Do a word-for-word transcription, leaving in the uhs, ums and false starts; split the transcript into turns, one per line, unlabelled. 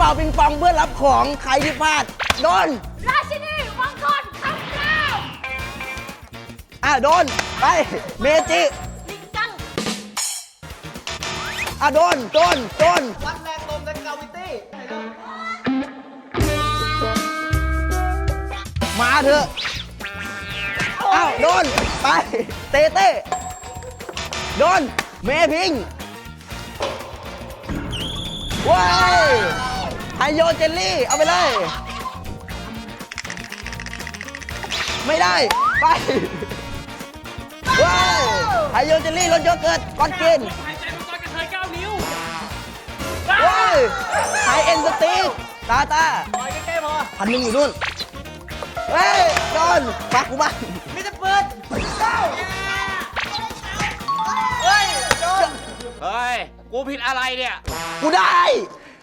ป่าปิงปองเพื่อรับของใครที่พลาดโดน
ราชินีมังกรคำราม
อ่ะโดนไปเมจิ
ลิงกัง
อ่ะโดนโดนโดน
วัดแรงลมและกราวิตี้
มาเถอะอ้าวโดนไปเต้เต้โดนเมพิงว้ายไฮโยเจลลี่เอาไปเลยไม่ได้ไปว้ายไฮโยเจลลี่รสโยเกิร์ตก่อนกิน
หายใจมังกรกระเทยเก้านิ้ว
ว้ายไฮเอ็นสตีกตาตา
ปล่อยใกล้ๆพอ
พันหนึ่งอยู่นู่นเฮ้ยโดนปักกูบ้าง
มิสเตอร์ปืนเก้าเฮ้ยโดน
เฮ้ย กูผิดอะไรเนี่ย
กูได้